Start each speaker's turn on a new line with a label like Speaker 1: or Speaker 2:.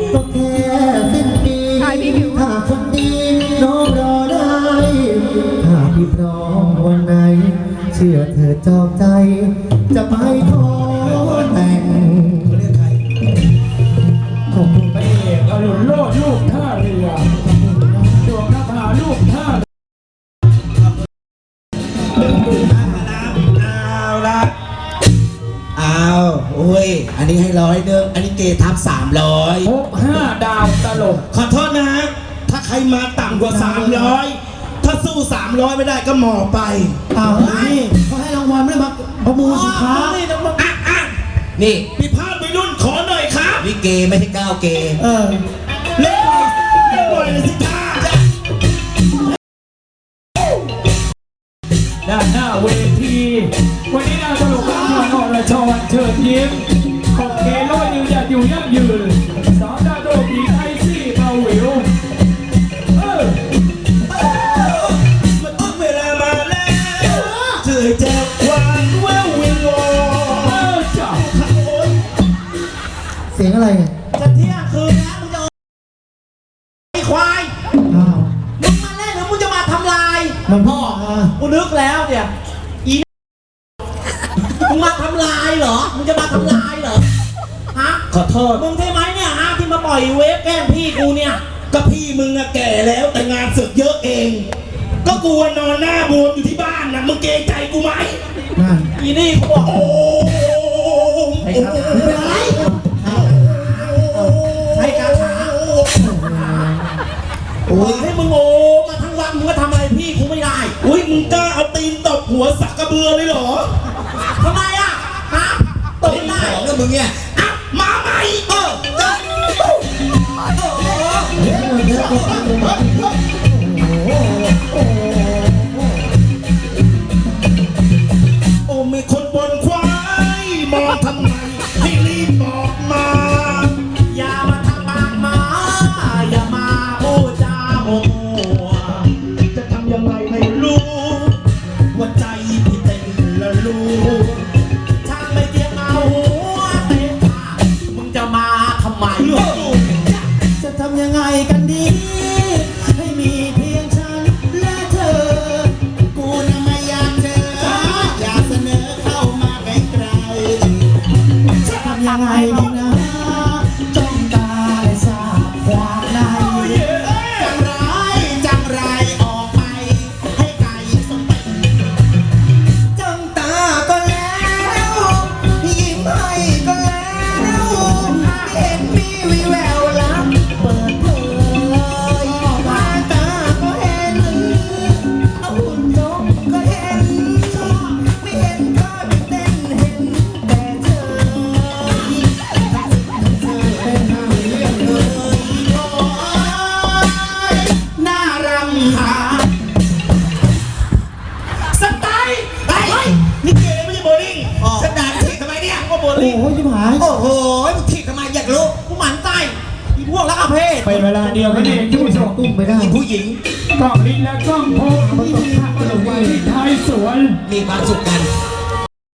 Speaker 1: ก็แค่สิ้นปีถ้าคนดีน้องรอได้ถ้าพี่พร้อมวันไหนเชื่อเธอจองใจจะไปขอแต่งขอบคุณ
Speaker 2: พระเอกอรุณโลดลูกท่าเรือดวงนภาลูกท่า
Speaker 3: โอ้ยอันนี้ให้100อันนี้เกทับ300
Speaker 2: พบ5 ดาวตลก
Speaker 3: ขอโทษนะถ้าใครมาต่ำกว่า300ถ้าสู้300ไม่ได้ก็หมอไป
Speaker 1: เขาให้รางวัลไม่ได้มาประมูลสินค้า
Speaker 3: นี่พี่พาดไปรุ่นขอหน่อยครับนี่เกไม่ใช่9เกเล่นหน่อยเลยสิจ้า
Speaker 2: ด้านหน้าเวทีวันนี้นางตลกรับเชิญอรชรเชิญยิ้มขอบเกล้อยยืนหยัดอยู่ยั่งยืนสาวดาวตลกหญิงไอซี่เบาหวิว
Speaker 3: มันต้องเวลามาแล้วเจอแจ็คหวานแวววิงวอน
Speaker 2: จ้า
Speaker 1: เสียงอะไรเนี่ย
Speaker 3: จะเที่ยงคืนแล้วมึงจะไอ้ควายมึงมาเล่นหรือมึงจะมาทำลาย
Speaker 1: มันพ่อ
Speaker 3: กูนึกแล้วเนี่ยอีมึงมาทำลายเหรอมึงจะมาทำลายเหรอฮะขอโทษมึงใช่ไหมเนี่ยฮะที่มาปล่อยเวฟแกล้งพี่กูเนี่ยก็พี่มึงอะแก่แล้วแต่งานศึกเยอะเองก็กูนอนหน้าบวมอยู่ที่บ้านนะมึงเกรงใจกูไหมอีนี่กูบอกโอ้
Speaker 1: ไม่เป็นไรใช้คาถา
Speaker 3: โอ้ยให้มึงโอ้มาทั้งวันมึงก็ทำอะไรพี่กูไม่ได้อุ้ยมึงกล้าเอาตีนตบหัวสักกระเบือเลยเหรอทำไมอะฮะตบได้แล้วมึงเนี่ยมาใหม่โอ้มีคนบนควายมองทำไมให้รีบบอกมาอย่ามาทำปากมาอย่ามาโอ้จ้าโอ้จะทำยังไงให้รู้ว่าใจพี่เต้นละรู้ถ้าไม่เกี่ยวเอาหัวเต้นมึงจะมาทำไม
Speaker 1: จะทำยังไงกันดีให้มีเพียงฉันและเธอกูน่ะไม่อยากเจออยากเสนอเข้ามาไกลๆจะทำยังไงดีนะจ้องตาและสาบความในจังไรออกไปให้ไกลสเปนจ้องตาก็แล้วยิ้มให้ก็แล้วเห็นมีวิแววลับเปิดเผยตาก็เห็นเอาหุ่นนกก็เห็นชอบไม่เห็นก็ไม่เต้นเห็นแต่เธอเป็นนางเรื่องเลยโอ้ยน่ารำคาญ
Speaker 3: สไตล์ไอ้นี่เกย์ไม่ใช่โบลิ่งสแตนถีบทำไมเนี่ยก็โบลิ่ง
Speaker 1: โอ้ยชิบหาย
Speaker 3: โอ้โหมึงถีบทำไมอยากรู้กูหมั่นไส้อีพวกรักอาเพศ
Speaker 2: เป็นเวลาเดียวกันเองที่ผู้ชม
Speaker 1: ตุ้มไม่ได้
Speaker 3: ผู้หญิง
Speaker 2: กล้องลิ้นและกล้องโพกที่มีภาพตลกวาที่ท้ายสวน
Speaker 3: มีความสุขกัน